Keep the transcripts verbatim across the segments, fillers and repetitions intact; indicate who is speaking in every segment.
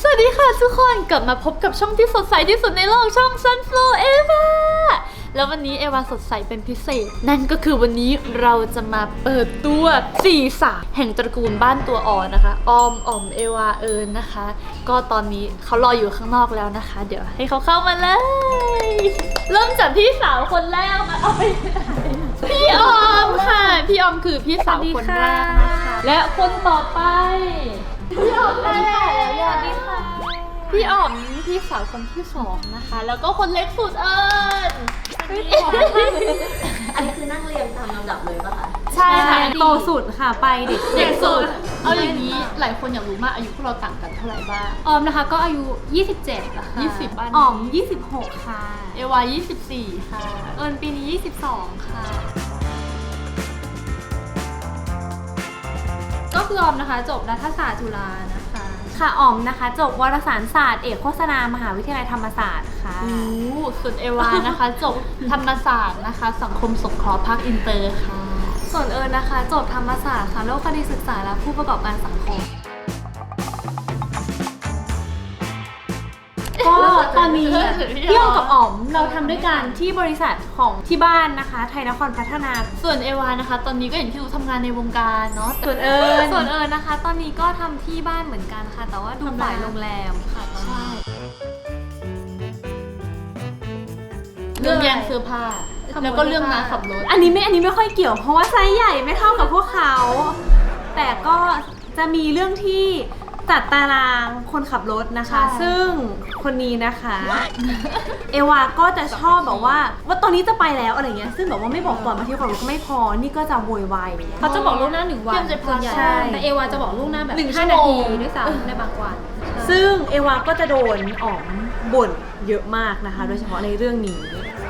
Speaker 1: สวัสดีค่ะทุกคนกลับมาพบกับช่องที่สดใสที่สุดในโลกช่อง Sunflow Eva แล้ววันนี้เอวาสดใสเป็นพิเศษนั่นก็คือวันนี้เราจะมาเปิดตัวสี่สาวแห่งตระกูลบ้านตัวอ่อนนะคะออมอ๋อมเอวาเอิญนะคะก็ตอนนี้เขารออยู่ข้างนอกแล้วนะคะเดี๋ยวให้เขาเข้ามาเลยเริ่มจากพี่สาวคนแรกมาเอาไปพี่ออมค่ะพี่ออมคือพี่สาวคนแรกนะคะและคนต่อไปพี่ออมแม่สวัสดีค่ะพี่ออมพี่สาวคนที่สองนะคะแล้วก็คนเล็กสุดเอิญ
Speaker 2: อันนี้คือนั่งเรียงตามลำดับเลยป่ะคะ
Speaker 1: ใช่ค่ะ
Speaker 3: โตสุดค่ะไปเด็ก
Speaker 1: เด็กสุดเอาอย่างนี้หลายคนอยากรู้มากอายุพวกเราต่างกันเท่าไหร่บ้าง
Speaker 3: ออมนะคะก็อายุยี่สิบเจ็ดแล้วค่ะ
Speaker 1: ยี่สิบบ้าน
Speaker 3: ออมยี่สิบหกค่ะ
Speaker 1: เอวายี่สิบสี่ค่ะ
Speaker 3: เอิญปีนี้ยี่สิบสองค่ะก็คือออมนะคะจบรัฐศาสตร์จุฬานะคะค่ะออมนะคะจบวารสารศาสตร์เอกโฆษณามหาวิทยาลัยธรรมศาสตร์ค่ะ
Speaker 1: โอ้ส่วนเอวานะคะจบธรรมศาสตร์นะคะสังคมสงเคราะห์ภาคอินเตอร์ค่ะ
Speaker 3: ส่วนเอิญนะคะจบธรรมศาสตร์ค่ะโลกคดีศึกษาและผู้ประกอบการสังคมก็ตอนนี้พี่ออมกับอ๋อมเราทำด้วยกันที่บริษัทของที่บ้านนะคะไทยนครพัฒนา
Speaker 1: ส่วนเอวานะคะตอนนี้ก็อย่างที่รู้ทำงานในวงการเนาะ
Speaker 3: ส่วนเอิญส่วนเอิญนะคะตอนนี้ก็ทำที่บ้านเหมือนกันค่ะแต่ว่าดูฝ่ายโรงแรมค่ะ
Speaker 1: ใช่เรื่องแย่งเสื้อผ้าแล้วก็เรื่องน้าขับรถ
Speaker 3: อันนี้ไม่อันนี้ไม่ค่อยเกี่ยวเพราะว่าไซส์ใหญ่ไม่เท่ากับพวกเขาแต่ก็จะมีเรื่องที่จัดตารางคนขับรถนะคะซึ่งคนนี้นะคะเอวาก็จะชอบแบบว่าว่าตอนนี้จะไปแล้วอะไรเงี้ยซึ่งแบบว่าไม่บอกก่อนบางทีก่อนก็ไม่พอนี่ก็จะโวยวาย
Speaker 2: เขาจะบอกล่วงหน้าหนึ่งวัน
Speaker 3: ส่วนใหญ่แต่เอวาจะบอกล่วงหน้าแบบ
Speaker 1: หนึ่ง
Speaker 3: ห้านาทีด้วยซ้ำในบางวันซึ่งเอวาก็จะโดนอ๋อมบ่นเยอะมากนะคะโดยเฉพาะในเรื่องนี้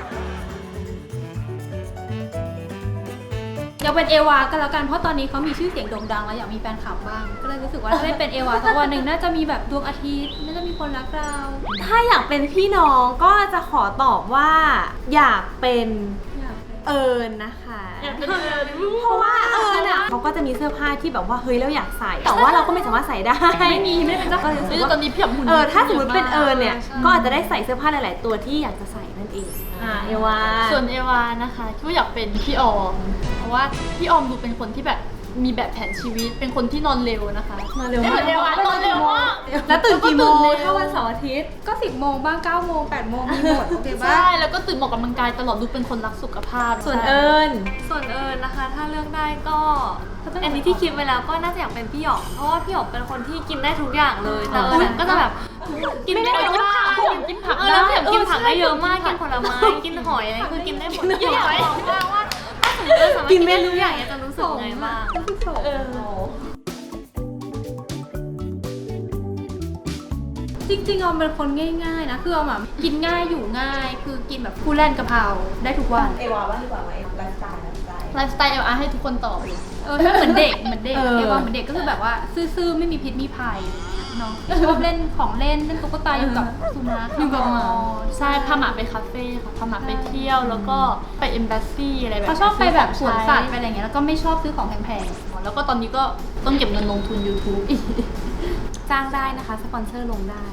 Speaker 3: อยากเป็นเอวาก็แล้วกันเพราะตอนนี้เขามีชื่อเสียงโด่งดังแล้วอยากมีแฟนคลับบ้างก็เลยรู้สึกว่าถ้าได้เป็นเอวาสักวันหนึ่งน่าจะมีแบบดวงอาทิตย์น่าจะมีคนรักเราถ้าอยากเป็นพี่น้องก็จะขอตอบว่าอยากเป็นเอิญนะคะเพราะว่าเอิญอ่ะเขาก็จะมีเสื้อผ้าที่แบบว่าเฮ้ยเราอยากใส่แต่ว่าเราก็ไม่สามารถใส่ได้ไม่มีไม่เป็นเจ้าของ
Speaker 1: คือตอนนี้พี่หุ่น
Speaker 3: เออถ้าสมมติเป็นเอิญเนี่ยก็อาจจะได้ใส่เสื้อผ้าหลายๆตัวที่อยากจะใส่นั่นเองอ่าเอวา
Speaker 1: ส่วนเอวานะคะที่อยากเป็นพี่ออมเพราะว่าพี่ออมดูเป็นคนที่แบบมีแบบแผนชีวิตเป็นคนที่นอนเร็วนะคะ
Speaker 3: นอนเร็วมาก
Speaker 1: นอนเร็วมาก
Speaker 3: แล้วตื่นกี่โมงถ้าวันเสาร์อาทิตย์ก็สิบโมงบ้างเก้าโมงแปดโมงมีหมดโอเคป่ะ
Speaker 1: ใช่แล้วก็ตื่นออกกำลังกายตลอดดูเป็นคนรักสุขภาพ
Speaker 3: ส่วนเอิญส่วนเอิญนะคะถ้าเลือกได้ก็อันนี้ที่คิดไว้แล้วก็น่าจะอยากเป็นพี่หยอกเพราะว่าพี่หยอกเป็นคนที่กินได้ทุกอย่างเลยแต่เอิญก็จะแบบกินได้ทุกอย่าง
Speaker 1: กินผัก
Speaker 3: เออแล้วกินผักได้เยอะมากกินผลไม้กินหอยอะไรคือกินได้หมดทุกอย่างว่ากินเมนูใหญ่จะรู้สึกไงบ้างจริงๆออมเป็นคนง่ายๆนะคือออมแบบกินง่ายอยู่ง่ายคือกินแบบคู่แล่นกะเพราได้ทุกวัน
Speaker 2: เอวาว่าดีกว่าไหมไลฟ์สไตล์ไลฟ์สไตล์
Speaker 1: ไลฟ์สไตล์เอวาให้ทุกคนตอบเลย
Speaker 3: เออเหมือนเด็กเหมือนเด็กเอวาเหมือนเด็กก็คือแบบว่าซื่อๆไม่มีพิษมีภัยเนาะชอบเล่นของเล่นเล่นตุ๊กตาอยู่กับสุนัข
Speaker 1: อยู่กับหมาใช่พาหมาไปคาเฟ่ค่ะพาหมาไปเที่ยวแล้วก็ไปเอมบาสซี่อะไรแบบ
Speaker 3: เขาชอบไปแบบสวนสัตว์ไปอะไรเงี้ยแล้วก็ไม่ชอบซื้อของแพง
Speaker 1: ๆแล้วก็ตอนนี้ก็ต้องเก็บเงินลงทุน YouTube อีก
Speaker 3: จ้างได้นะคะสปอนเซอร์ลงได้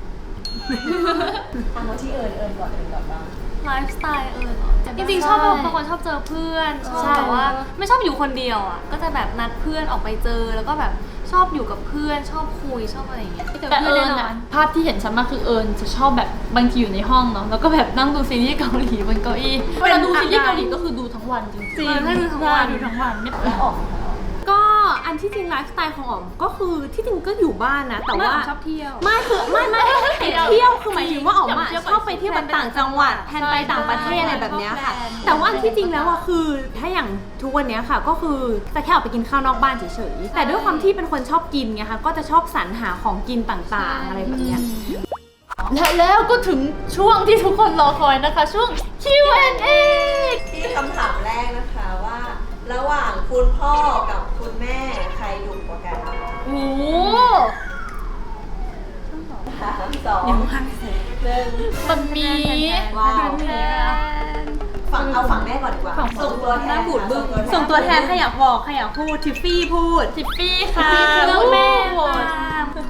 Speaker 2: ทำว่าที่เอิญเอิญก่อนเอิญก่อนบ้าง
Speaker 3: ไลฟ์สไตล์เอิญจริงๆชอบบางคนชอบเจอเพื่อนชอบแบบว่าไม่ชอบอยู่คนเดียวอ่ะก็จะแบบนัดเพื่อนออกไปเจอแล้วก็แบบชอบอยู่กับเพื่อนชอบคุยชอบอะไรอย่างเงี้ย
Speaker 1: แต่เอิญอะภาพที่เห็นชัดมากคือเอิญจะชอบแบบบางทีอยู่ในห้องเนาะแล้วก็แบบนั่งดูซีรีส์เกาหลีบนเก้าอี้เวลาดูซีรีส์เกาหลีก็คือดูทั้งวันจริงๆ
Speaker 3: ถ้าดูทั้งวัน
Speaker 1: ดูทั้งวันไม่
Speaker 2: แล้วออก
Speaker 3: ก็อันที่จริงไลฟ์สไตล์ของอ๋อมก็คือที่จริงก็อยู่บ้านนะแต่ว่า
Speaker 1: ชอบเที่ยว
Speaker 3: ไม่คือไม่ไม่เที่ยวคือหมายถึงว่าอ๋อมอะชอบไปเที่ยวต่างจังหวัดแทนไปต่างประเทศอะไรแบบนี้ค่ะแต่ว่าอันที่จริงแล้วอะคือถ้าอย่างทุกวันนี้ค่ะก็คือจะแค่ออกไปกินข้าวนอกบ้านเฉยๆแต่ด้วยความที่เป็นคนชอบกินไงคะก็จะชอบสรรหาของกินต่างๆอะไรแบบนี้
Speaker 1: และแล้วก็ถึงช่วงที่ทุกคนรอคอยนะคะช่วง คิว แอนด์ เอ
Speaker 2: ที่คำถามแรกนะคะว่าระหว่างคุณพ่อกับคุณแม่ใครดุกว่ากัน
Speaker 1: โอ้
Speaker 2: สามสอง
Speaker 3: ยังพังเสร็จ
Speaker 2: หนึ่ง
Speaker 1: มันมี
Speaker 2: ว้าวฝั่งเอาฝั่งแม่ก่อนดีกว่าส่งตัวแทนบูดบึ้ง
Speaker 3: ส่งตัวแทนใครอยากบอกใครอยากพูดทิฟฟี่พูด
Speaker 1: ทิฟฟี่ค่ะ
Speaker 3: เรื่องแม่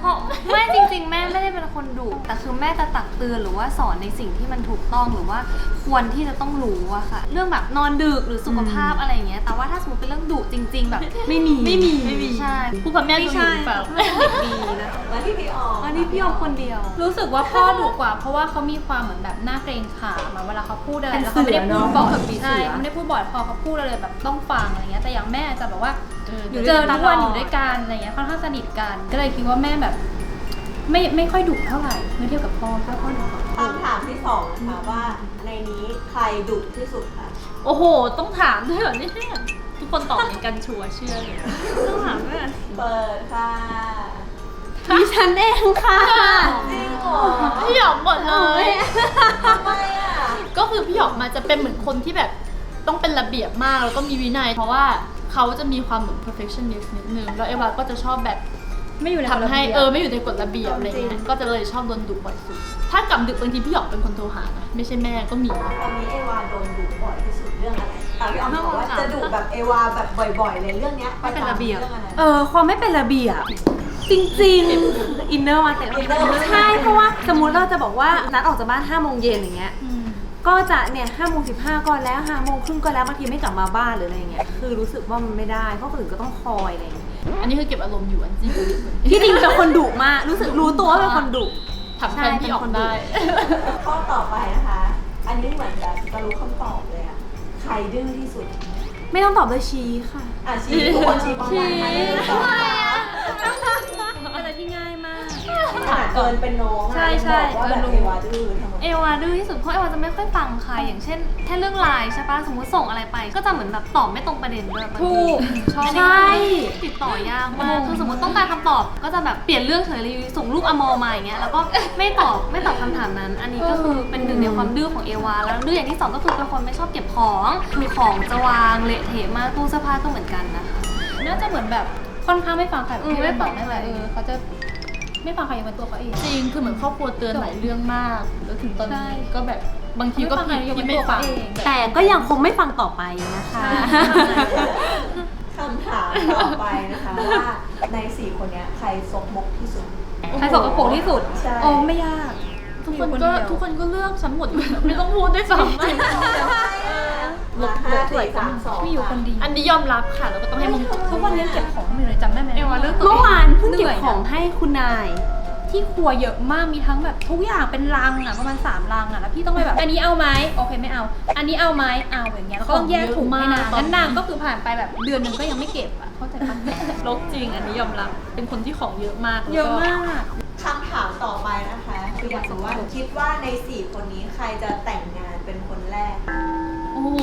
Speaker 4: เพราะไม่จริงๆแม่ไม่ได้เป็นคนดุแต่คือแม่จะตักเตือนหรือว่าสอนในสิ่งที่มันถูกต้องหรือว่าควรที่จะต้องรู้อะค่ะเรื่องแบบนอนดึกหรือสุขภาพอะไรอย่างเงี้ยแต่ว่าถ้าสมมติเป็นเรื่องดุจริง ๆ แบบไม่มีไม่มีไม่มีใช่
Speaker 1: ผู้พ่อแม่ดูอยู่เปล่า
Speaker 4: ไม่ใช่ดีนะ
Speaker 2: มาที่พี่ออม
Speaker 4: อันนี้พี่ออมคนเดียว
Speaker 3: รู้สึกว่าพ่อดุกว่า เพราะว่าเขามีความเหมือนแบบหน้าเกรงขามอะเวลาเขาพูดอะไร
Speaker 5: เป็น
Speaker 3: แล้วเขาไม่ได้
Speaker 5: เสือ
Speaker 3: พูด
Speaker 5: เนอะ
Speaker 3: บ่อย
Speaker 5: แบบปีเสือ
Speaker 3: ใช่เขาไม่ได้พูดบ่อยพอเขาพูดอะไรแบบต้องฟังอะไรเงี้ยแต่อย่างแม่จะแบบว่า
Speaker 1: เออ
Speaker 3: เจอทุกวันอยู่ด้วยกันอะไรเงี้ยค่อนข้างสนิทกัน ก็เลยคิดว่าแม่แบบ ไม่ไม่ค่อยดุเท่าไหร่เมื่อเทียบกับพ่อพ่อพ่อดุกว่า
Speaker 2: คำถามที่สองนะคะว่าในนี้ใครดุที่สุดคะ
Speaker 1: โอ้โห ต้องถามด้วยเหรอเนี่ยทุกคนตอบเหมือนกันชัวร์เชื่อเลย
Speaker 4: ต้องถามแม่
Speaker 2: เปิดค่ะ
Speaker 5: ดิฉันเองค่ะ
Speaker 2: จริงเหรอ
Speaker 1: พี่หยอกหมดเลย
Speaker 2: ทำไมอ่ะ
Speaker 1: ก็คือพี่หยอกมาจะเป็นเหมือนคนที่แบบต้องเป็นระเบียบมากแล้วก็มีวินัย เพราะว่าเขาจะมีความเหมือน perfectionist นิดนึงแล้วเอวาก็จะชอบแบบ
Speaker 3: ไม่อยู่ใน
Speaker 1: ทำให้
Speaker 3: กฎระบียบ
Speaker 1: เออไม่อยู่ในกฎระเบียบอะไรอย่างเงี้ยก็จะเลยชอบโดนดุบ่อยสุดถ้ากลับดึกบางทีพี่หยอกเป็นคนโทรหานะไม่ใช่แม่ก็มี
Speaker 2: ตอนนี้เอวาโดนดุบ่อยที่สุดเรื่องอะไรแต่พี่ออมบอกว่าจะดุแบบเอวาแบบบ่อยๆเลยเรื่องเนี้ย
Speaker 4: ไม่เป็นระเบียบ
Speaker 2: เรื่องอะไร
Speaker 5: เออความไม่เป็นระเบียบจริงๆอินเนอร์มาแต่
Speaker 2: อินเนอร์มา
Speaker 5: ใช่เพราะว่าสมมุติเราจะบอกว่านัดออกจากบ้านห้าโมงเย็นอย่างเงี้ย
Speaker 3: อืม
Speaker 5: ก็จะเนี่ยห้าโมงสิบห้าก็แล้วห้าโมงครึ่งก็แล้วบางทีไม่กลับมาบ้านหรืออะไรเงี้ยคือรู้สึกว่ามันไม่ได้เพราะคนอื่นก็ต้องคอยอะไรเงี้ย
Speaker 1: อันนี้คือเก็บอารมณ์อยู่อันจริง
Speaker 5: ที่จริงเป็นคนดุมากรู้สึกรู้ตัวว่าเป็นคนดุ
Speaker 1: ทำแทนพี่หยอกได้
Speaker 2: ข้อต่อไปนะคะ อันนี้เหมือนจะจะรู้คำตอบเลยอะใครดื้อที่สุด
Speaker 5: ไม่ต้องตอบด้วยชี้ค่ะ
Speaker 2: อ่ะชี้ทุกคนชี้ประมาณไหนตอบมา
Speaker 3: อะไรที่ง่ายมาก
Speaker 2: ขนาดเกินเป็นน้องอะ
Speaker 3: ใช่ใช่
Speaker 2: ยังบอกว่าแบบ
Speaker 3: เออรู้
Speaker 2: เอวาดื้อทำไม
Speaker 4: เอวาดื้อที่สุดเพราะเอวาจะไม่ค่อยฟังใครอย่างเช่นแค่เรื่องไลน์ใช่ปะสมมติส่งอะไรไป ก็จะเหมือนแบบตอบไม่ตรงประเด็นด้วยบางที
Speaker 3: ถูก
Speaker 4: ชอบ
Speaker 5: ใช่
Speaker 4: ติดต่อยากมากคือสมมติต้องการคำตอบ ก็จะแบบเปลี่ยนเรื่องเฉยเลยส่งรูปอมอมาอย่างเงี้ยแล้วก็ไม่ตอบไม่ตอบคำถามนั้น อันนี้ก็คือเป็นหนึ่งในความดื้อของเอวาแล้วดื้ออย่างที่สองก็คือเป็นคนไม่ชอบเก็บของคือของจะวางเละเทะมากตู้เสื้อผ้าก็เหมือนกันนะคะ
Speaker 3: น่าจะเหมือนแบบค่อนข้างไม่ฟังใครแบบ
Speaker 4: อืม
Speaker 3: ที่
Speaker 4: ไม่
Speaker 3: ไม่
Speaker 4: ฟั
Speaker 3: ฟั
Speaker 4: ง
Speaker 3: งไม่ไรเออเขาจะไม่ฟังใครอย่างเป็นตัวเขาเอง
Speaker 1: จริงคือเหมือนครอบครัวเตือนหลายเรื่องมากแล้วถึงตอน
Speaker 3: ใช่
Speaker 1: นี้ก็แบบบางทีก็ผิดที่ไม่ฟัง
Speaker 5: แต่ก็ยังคงไม่ฟังต่อไปนะคะ
Speaker 2: คำถามต่อไปนะคะว่าในสี่คนเนี้ยใครซกมกที่สุด
Speaker 3: ใครสกปรกที่สุด
Speaker 2: ใช่
Speaker 3: โอ้ไม่ยาก
Speaker 1: ทุกคน
Speaker 3: อยู่
Speaker 1: ก็
Speaker 3: เดียว
Speaker 1: ทุกคนก็เลือกฉันหมดอยู่แล้วไม่ต้องพูดด้วยซ้ำ
Speaker 2: มาห้าสี่สามสอง
Speaker 3: มีอยู่คนเดียว
Speaker 1: อันนี้ยอมรับค่ะแล้วก็ต้องให้มงกุฎ
Speaker 3: ทุกวันนี้เก็บของไม่อยู่เลยจำได้ไหม
Speaker 4: เอวาเลือกตัว
Speaker 5: เมื่อวานเพิ่งเก็บ
Speaker 3: หนื่ยนะ
Speaker 5: ของให้คุณนาย
Speaker 3: ที่ครัวเยอะมากมีทั้งแบบทุกอย่างเป็นลังอ่ะประมาณสามลังอ่ะแล้วพี่ต้องไปแบบอันนี้เอาไหมโอเคไม่เอา อันนี้เอาไหมเอาอย่างเงี้ยแล้วก็ต้องแยกถุงให้นางงั้นนางก็คือผ่านไปแบบเดือนหนึงก็ยังไม่เก็บอ่ะเข้าใจปะ
Speaker 1: ลกจริงอันนี้ยอมรับเป็นคนที่ของเยอะมาก
Speaker 3: เยอะมาก
Speaker 2: คำถามต่อไปนะคะคืออยากรู้ว่าคิดว่าในสี่คนนี้ใครจะแต่งงานเป็นคนแรก
Speaker 1: โอ้โห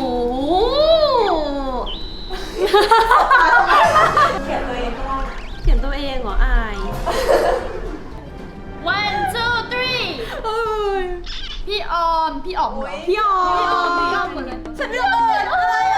Speaker 2: เขียนตัวเองก็ได้
Speaker 5: เขียนตัวเองเหรออาย
Speaker 1: one two three พี่ออมพี่ออมเหรอ
Speaker 5: พี่ออ
Speaker 1: พี่ออม
Speaker 5: ม
Speaker 1: พี่ออมเหมือนกัน
Speaker 5: ฉันเลือกเอิญอะไรอะ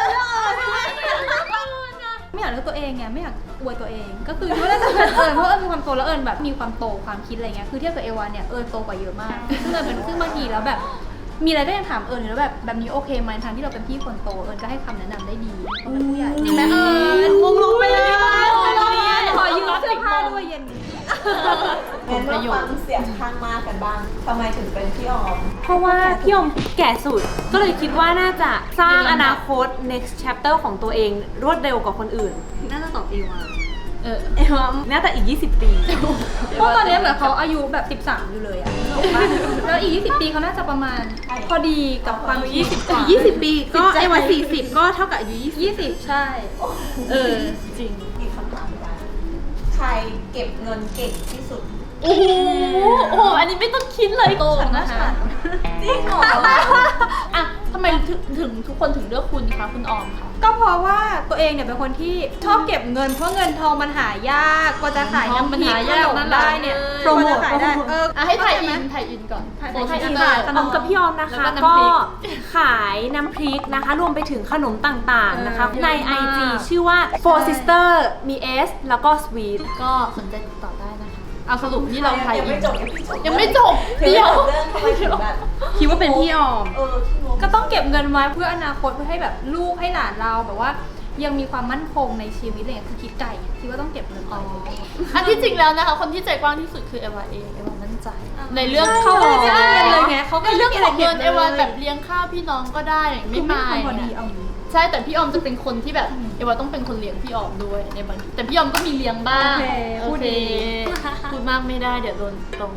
Speaker 3: ไม่อยากเลือกตัวเองไงไม่อยากอวยตัวเอง ก็คือไม่ได้จะเป็นเอิญเพราะเอิญมีความโตแล้วเอิญแบบมีความโตความคิดอะไรเงี้ยคือเทียบกับเอวาเนี่ยเอิญโตกว่าเยอะมากซึ่งเอิญเป็นซึ่งบางทีแล้วแบบมีอะไรก็ยังถามเอิญอยู่แล้วแบบแบบนี้โอเคไหมทางที่เราเป็นพี่คนโตเอิญก็ให้คำแนะนำได้ดีเป็นผู้ใหญ่จริงไหมเอิญ
Speaker 5: มงลงไปเลย
Speaker 3: ขอยืมเสื้อผ้าด้วยเย็นนี้
Speaker 2: งั้นมาฟังเสียงข้างมากกันบ้างทำไมถึงเป็นพี่ออม
Speaker 5: เพราะว่าพี่อมแก่สุด ก็เลยคิดว่าน่าจะสร้างอนาคต next chapter ของตัวเองรวดเร็วกว่าคนอื่น
Speaker 4: น่าจะตอบเอวา
Speaker 1: เออ
Speaker 5: เอว่าน่าจะอีก ยี่สิบ ปี
Speaker 3: เพราะตอนนี้เหมือนเขาอายุแบบสิบสามอยู่เลยอะแล้วอีกยี่สิบปีเขาน่าจะประมาณพอดีกับความคิด
Speaker 5: อีกยี่สิบ ปีก็ไอวันสี่สิบก็เท่ากับอายุยี่สิบ
Speaker 3: ยี่สิบใช่
Speaker 1: เออจริง
Speaker 2: อีกคำถามไปใครเก็บเงินเก่งที่สุด
Speaker 1: โอ้โหโอ้โหอันนี้ไม่ต้องคิดเลยโตนะคะ
Speaker 2: จริงเหรอ
Speaker 1: อ่ะทำไมถึงถึงทุกคนถึงเลือกคุณคะคุณออมคะ
Speaker 3: ก็เพราะว่าตัวเองเนี่ยเป็นคนที่ชอบเก็บเงินเพราะเงินทองมันหายากกว่าจะขายน้ำพริกขนมได้เนี่ย
Speaker 5: โปรโมท
Speaker 3: กว่าจะขายได้เออ
Speaker 1: อ่ะให้ถ่าย
Speaker 3: เข้
Speaker 1: อิ
Speaker 3: ใจ
Speaker 1: น
Speaker 3: ไหม
Speaker 1: ถ่ายอินก่อน
Speaker 3: ถ่าย
Speaker 1: โอ้
Speaker 3: ถ่ายอิน
Speaker 1: ถ่าย
Speaker 5: ขนมกับพี่ออมนะคะ
Speaker 1: แล้วก็
Speaker 5: ก็
Speaker 1: น้ำพริก
Speaker 5: ขายน้ำพริกนะคะ รวมไปถึงขนมต่างๆนะคะ
Speaker 3: เออ
Speaker 5: ใน
Speaker 3: เยอะ
Speaker 5: ไอ
Speaker 3: มาก
Speaker 5: จี ชื่อว่า four sister มี S แล้วก็ sweet
Speaker 1: ก็สนใจติดต่อได้นะคะเอาสรุปนี่เราถ่าย
Speaker 2: ยัง
Speaker 1: อิ
Speaker 2: ไม่
Speaker 1: น
Speaker 2: จบ
Speaker 1: ยังไม่จบ
Speaker 2: เดี๋
Speaker 1: เดี๋
Speaker 2: ย
Speaker 1: ยว ว
Speaker 2: เรื่องทำไมถึงแบบ
Speaker 5: คิดว่าเป็นพี่ออม
Speaker 2: เออที่งง
Speaker 3: ก็ต้องเก็บเงินไว้เพื่ออนาคตเพื่อให้แบบลูกให้หลานเราแบบว่ายังมีความมั่นคงในชีวิตอะไรอย่างเงี้ยคือคิดไกลไงคิดว่าต้องเก็บเงินไว้
Speaker 1: อันที่จริงแล้วนะคะคนที่ใจกว้างที่สุดคือเอวาเองเอวามั่นใจ ในเรื่อง
Speaker 3: เขาก็
Speaker 1: ของ
Speaker 3: ไม่ได้เรียนเลยไงเขาก็
Speaker 1: ในเรื่องของเงิน
Speaker 3: เก็บเลย
Speaker 1: เอวาแบบเลี้ยงข้าวพี่น้องก็ได้ไม่
Speaker 3: คือ
Speaker 1: มา
Speaker 3: ไม่
Speaker 1: ย
Speaker 3: พอดีเอาอย่างนี้
Speaker 1: ใช่แต่พี่ออมจะเป็นคนที่แบบเอวาต้องเป็นคนเลี้ยงพี่ออมด้วยในบางทีแต่พี่ออมก็มีเลี้ยงบ้าง
Speaker 3: โอเคพูดดี
Speaker 1: พูดมากไม่ได้เดี๋ยวโดนตรง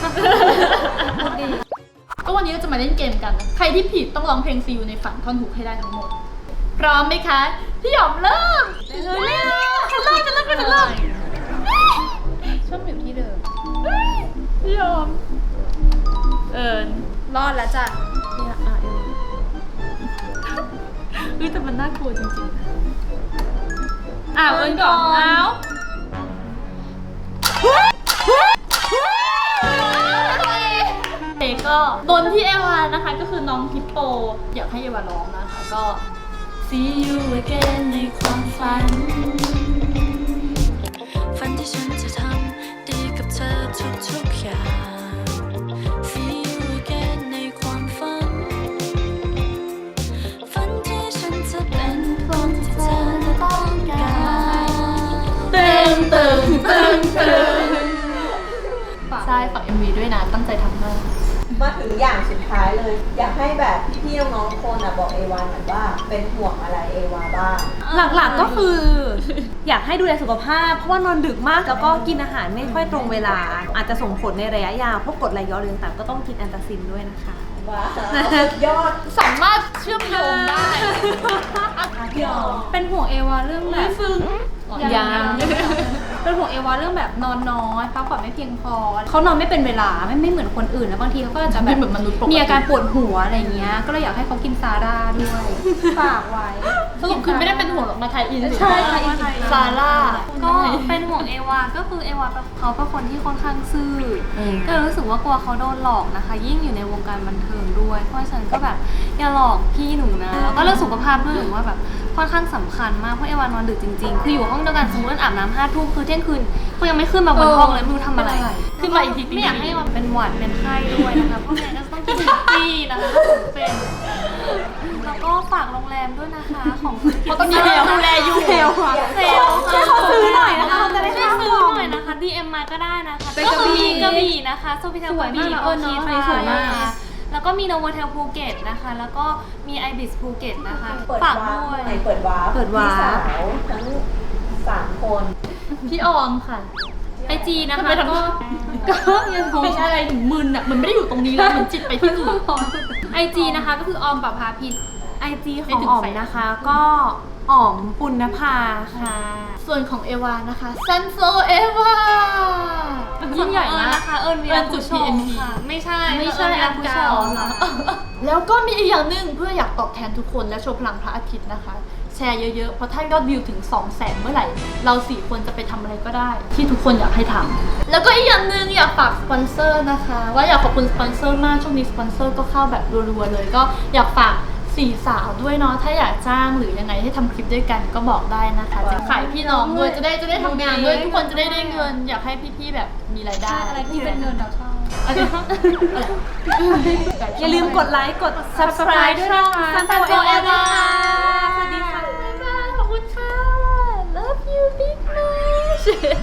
Speaker 1: ก็วันนี้เราจะมาเล่นเกมกันนะใครที่ผิดต้องร้องเพลงซีอูในฝันท่อนฮุกให้ได้ทั้งหมดพร้อมไหมคะพี่ออมเริ่มเริ่มเริ่มเริ่มเริ่มเริ่มเริ่ม
Speaker 3: ชอบอยู่ที่เดิม
Speaker 1: พี่ออมเอิญ
Speaker 3: รอดแล้วจ้ะ
Speaker 1: เนี่ยอ่ะเอิญเฮ้ยแต่มันน่ากลัวจริงๆนะอ้าวเอิญก่อนอ้าวเอก็โดนที่เอวานะคะก็คือน้องฮิปโปอยากให้เอวาร้องนะคะก็ See you again ในความฝัน
Speaker 6: ฝันที่ฉันจะทำดีกับเธอทุกๆอย่าง See you again ในความฝัน ฝันที่ฉันจะเป็นคนที่เธอต้องการ
Speaker 1: ตึงตึงตึงตึงใช่ฝาก เอ็ม วี ด้วยนะตั้งใจทำมาก
Speaker 2: มาถึงอย่างสุดท้ายเลย อยากให้แบบพี่ๆน้องๆทุกคนอ่ะบอกเอวาหน่อยว่าเป็นห่วงอะไรเอวาบ้าง
Speaker 5: หลักๆก็คือ อยากให้ดูแลสุขภาพ เพราะว่านอนดึกมากแล้วก็กินอาหารไม่ค่อยตรงเวลา อาจจะส่งผลในระยะยาวพวกกรดไหลย้อนเรืองต่างๆก็ต้องกินแอนตาซินด้วยนะคะ
Speaker 2: ว้าวสุดยอด
Speaker 1: สามารถเชื่อมโยงได้
Speaker 2: พี่ออม
Speaker 3: เป็นห่วงเอวาเรื่องแบบ
Speaker 1: ซึ่ง
Speaker 3: ยังเป็นห่วงเอวาเรื่องแบบนอนน้อยพักผ่อนไม่เพียงพอเขานอนไม่เป็นเวลาไม่ไม่เหมือนคนอื่นแล้วบางทีเขาก็จะแบ
Speaker 1: ไม่
Speaker 3: บ
Speaker 1: เหมือนมนุษย์ปกติ
Speaker 3: มีอาการปวดหัวอะไรเงี้ยก็เลยอยากให้เขากินซาร่าด้วยฝากไว้
Speaker 1: สรุปคือไม่ได้เป็นห่วงหรอกมาไทยอิน
Speaker 3: ใช่ค่ะอิน
Speaker 1: ซาร่า
Speaker 4: ก็เป็นห่วงเอวา ก็คือเอวาเขาเป็นคนที่ค่อนข้างซื่ออก็เลยรู้สึกว่ากลัวเขาโดนหลอกนะคะ ยิ่งอยู่ในวงการบันเทิงด้วย เพราะฉะนั้นก็แบบอย่าหลอกพี่หนูนะ แล้วก็เรื่องสุขภาพด้วยหนูว่าแบบค่อนข้างสำคัญมาก เพราะเอวานอนดึกจริงๆ คืออยู่ห้องเดียวกันสมมติอาบน้ำห้าทุ่มคือเที่ยงคืนเขายังไม่ขึ้นมาบนห้องเลยไม่รู้ทำอะไร
Speaker 1: ขึ้นมาอีกที
Speaker 4: ไม่อยากให้มันเป็นหวัดเป็นไข้ด้วยนะคะ เพราะงั้นก็ต้องกินจี้นะคะถ้าผมเป็น แล้วก็ฝากโรงแรมด้วยนะคะของธุรกิจ
Speaker 1: เพราะตอนนี้เซลล์ดูแลอยู่
Speaker 5: เซลล์ค่ะ
Speaker 4: เซลล์
Speaker 5: ช่วยเขาซื้อหน่อยนะคะจะได้
Speaker 4: ช่วย
Speaker 5: ค่า
Speaker 4: ซื้อ
Speaker 5: ของ
Speaker 4: หน่อยนะคะ ดี เอ็ม มาก็ได้นะคะ
Speaker 3: ไป
Speaker 4: ก็
Speaker 3: กระบี่
Speaker 4: มีกระบี่นะคะโซฟิเทลกระบี่
Speaker 3: สวยมาก
Speaker 4: โอ
Speaker 3: เน
Speaker 4: เค
Speaker 3: อะ
Speaker 4: ไทย
Speaker 3: สวยมาก
Speaker 4: นะคะแล้วก็มีโนโวเทลภูเก็ตนะคะ แล้วก็มีไอบิสภูเก็ตนะคะ
Speaker 2: เปิด
Speaker 4: ฝาก
Speaker 2: วาร์ป
Speaker 4: ด้วย
Speaker 2: ไหนเปิดวาร์ป
Speaker 5: เปิดวาร์ป
Speaker 2: พี่สาวทั้งสามคน
Speaker 1: พี่ออมค่ะ
Speaker 4: ไอจีนะคะ
Speaker 1: ทำไมทำ
Speaker 4: ก็
Speaker 1: ก็ยังงงเป็นอะไรถึงมึนอ่ะมันไม่ได้อยู่ตรงนี้แล้วมันจิตไปที่อื่น
Speaker 3: ไอจีนะคะก็คือออมปะพาพิษ
Speaker 5: ไอจีของอ๋อมนะคะก็อ๋อมปุณณภาค่ะ
Speaker 1: ส่วนของเอวานะคะซันโซเอวายิ่งใหญ่
Speaker 4: เอิญ
Speaker 1: มาก
Speaker 4: นะคะเอิญวี
Speaker 1: เอิ
Speaker 4: ร
Speaker 1: ญจุ
Speaker 4: ผู้
Speaker 1: ด
Speaker 4: ช
Speaker 1: พี
Speaker 4: ม
Speaker 1: เอ็มพี
Speaker 4: ค่ะ ไม่ใช่
Speaker 1: ไม่ใช่
Speaker 4: เอิญวีร
Speaker 1: อัน
Speaker 4: ผู้
Speaker 1: เก่า
Speaker 4: ชมค่ะ
Speaker 1: แล้วก็มีอีกอย่างหนึ่งเพื่ออยากตอบแทนทุกคนและโชว์พลังพระอาทิตย์นะคะ แชร์เยอะๆ เพราะถ้ายอดวิวถึง สองแสน เมื่อไหร่ เราสี่คนจะไปทำอะไรก็ได้ ที่ทุกคนอยากให้ทำแล้วก็อีกอย่างหนึ่งอยากฝากสปอนเซอร์นะคะ ว่าอยากขอบคุณสปอนเซอร์มากช่วงนี้สปอนเซอร์ก็เข้าแบบรัวๆเลย ก็อยากฝากสี่สาวด้วยเนาะถ้าอยากจ้างหรือยังไงให้ทำคลิปด้วยกันก็บอกได้นะคะจะขายพี่น้องด้วยจะได้จะได้ทำงานด้วยทุกคนจะได้ได้เงิน อยากให้พี่ๆแบบมีรายได้
Speaker 3: อะไรที่เป็นเงินเราชอบ
Speaker 1: อะไรอะไร
Speaker 5: อย่าลืมกดไลค์ กด subscribe ด้วยนะคะ
Speaker 3: ซันโซเอวา
Speaker 5: สวัสดีค่ะ
Speaker 1: ขอบคุณค่ะ love you big much